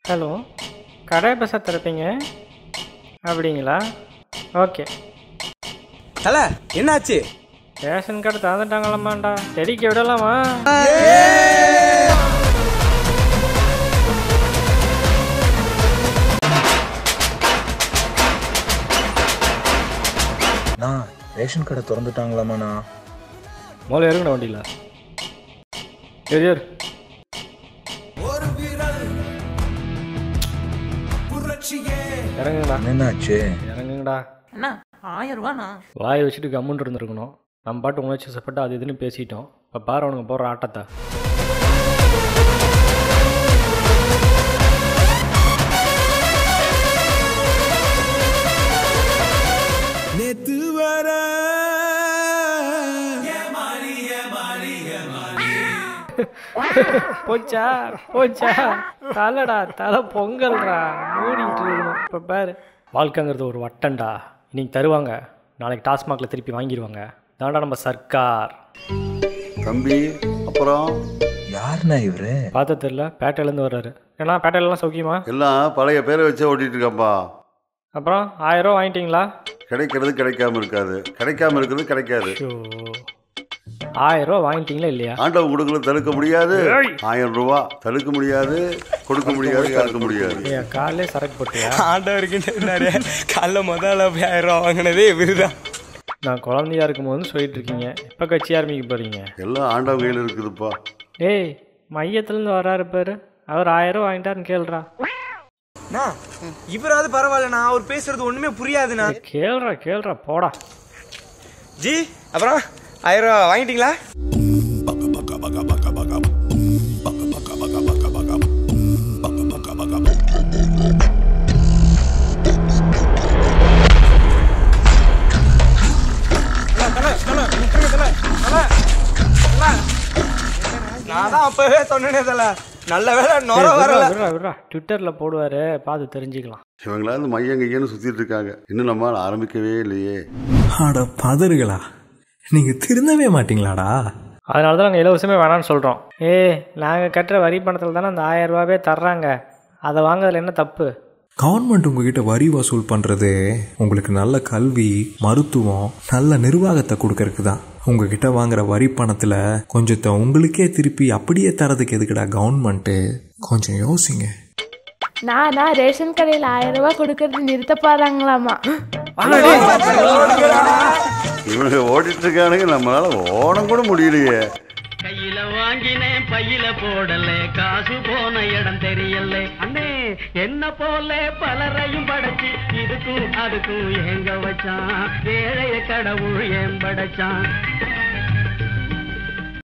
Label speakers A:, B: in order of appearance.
A: Hello, கடை பஸ்ஸை திறப்பீங்க அப்படிங்களா? ஓகே.
B: தல என்னாச்சு?
A: ரேஷன் கார்டு தந்துட்டாங்களாமாண்டா, செடிக்க விடலாமா?
C: ரேஷன் கடை திறந்துட்டாங்களாமாண்ணா?
A: முதல்ல இறங்கணும் வண்டியில். ஏர் இறங்குங்கடா.
C: என்னாச்சு?
A: இறங்குங்கடா.
D: அண்ணா 1000 ரூபாண்ணா.
A: வாயை வச்சுட்டு கம்முன்னு இருந்துருக்கணும். நம்ம பாட்டு உணர்ச்சி சப்பட்டு அது இதுன்னு பேசிட்டோம். இப்போ பாரு அவனுங்க போடுற ஆட்டத்தை.
B: நேத்து வர
A: போச்சா போச்சா, தலைடா தலை பொங்கல்றா, மூடிட்டு இருக்கணும். இப்போ பாரு, வாழ்க்கைங்கிறது ஒரு வட்டம்டா. இன்னைக்கு தருவாங்க, நாளைக்கு டாஸ்மாகில் திருப்பி வாங்கிடுவாங்க. தாண்டா நம்ம சர்க்கார்.
E: தம்பி அப்புறம்
C: யாருண்ணா இவரு?
A: பார்த்த தெரியல, பேட்டையிலேருந்து வர்றாரு. ஏன்னா பேட்டையிலலாம் சௌக்கியமா?
E: எல்லாம் பழைய பேரை வச்சே ஓட்டிட்டு இருக்கப்பா.
A: அப்புறம் 1000 ரூபா வாங்கிட்டீங்களா?
E: கிடைக்கிறது கிடைக்காம இருக்காது, கிடைக்காம இருக்கிறது கிடைக்காது.
A: 1000 ரூபா வாங்கிட்டீங்களா இல்லையா?
E: ஆண்டவன் கொடுக்கல தடுக்க முடியாது. 1000 ரூபா தடுக்க முடியாது, கொடுக்க முடியாது, தடுக்க முடியாது.
A: காலையிலே சரக்கு போட்டியா?
B: ஆண்டவருக்கு நிறைய காலைல முதல்ல 1000 ரூபா வாங்கினதே இவருதான்.
A: நான் குழந்தையா இருக்கும்போது சொல்லிட்டு இருக்கீங்க, இப்போ கட்சி ஆரம்பிக்க போறீங்க.
E: எல்லாம் ஆண்டவன் கையில் இருக்குதுப்பா.
A: ஏய், மையத்துலேருந்து வர்றாரு பாரு, அவர் 1000 ரூபா வாங்கிட்டாருன்னு கேள்றா.
B: இவராது பரவாயில்லண்ணா, அவர் பேசுறது ஒண்ணுமே புரியாதுண்ணா.
A: கேள்றா போடா.
B: ஜி அப்புறம் 1000 ரூபா வாங்கிட்டீங்களா? நான் தான் அப்பவே சொன்னேனே தல, நல்ல வேலை நொர வரல.
A: ட்விட்டர்ல போடுவாரு, பார்த்து தெரிஞ்சுக்கலாம்.
E: இவங்களாவது மையங்கையன்னு சுத்திட்டு இருக்காங்க, இன்னும் நம்மளால ஆரம்பிக்கவே இல்லையே.
F: ஆட பதறுகளா, நீங்க திருந்தவே மாட்டீங்களாடா?
A: அதனால தான் நாங்கள் இலவசமே வேணான்னு சொல்கிறோம். நாங்கள் கட்டுற வரி பணத்தில் தானே அந்த 1000 ரூபாவே தர்றாங்க, அதை வாங்குறதுல என்ன தப்பு?
F: கவர்மெண்ட் உங்ககிட்ட வரி வசூல் பண்றது உங்களுக்கு நல்ல கல்வி, மருத்துவம், நல்ல நிர்வாகத்தை கொடுக்கறதுக்கு தான். உங்ககிட்ட வாங்குற வரி பணத்துல கொஞ்சத்தை உங்களுக்கே திருப்பி அப்படியே தரதுக்கு எதுக்குடா கவர்மெண்ட்? கொஞ்சம் யோசிங்க.
G: நான் ரேஷன் கடையில் 1000 ரூபா கொடுக்கறது நிறுத்த பாருங்களாமா.
E: இவனுக்கு ஓடிட்டு இருக்கானுங்க, நம்மளால ஓடம் கூட முடியலையே.
H: கையில வாங்கினேன் பையில போடல, காசு போன இடம் தெரியல. அண்ணே என்ன போல பலரையும் படைச்சு இதுக்கும் அதுக்கும் எங்க வச்சான், ஏழைய கடவுள் ஏன் படைச்சான்.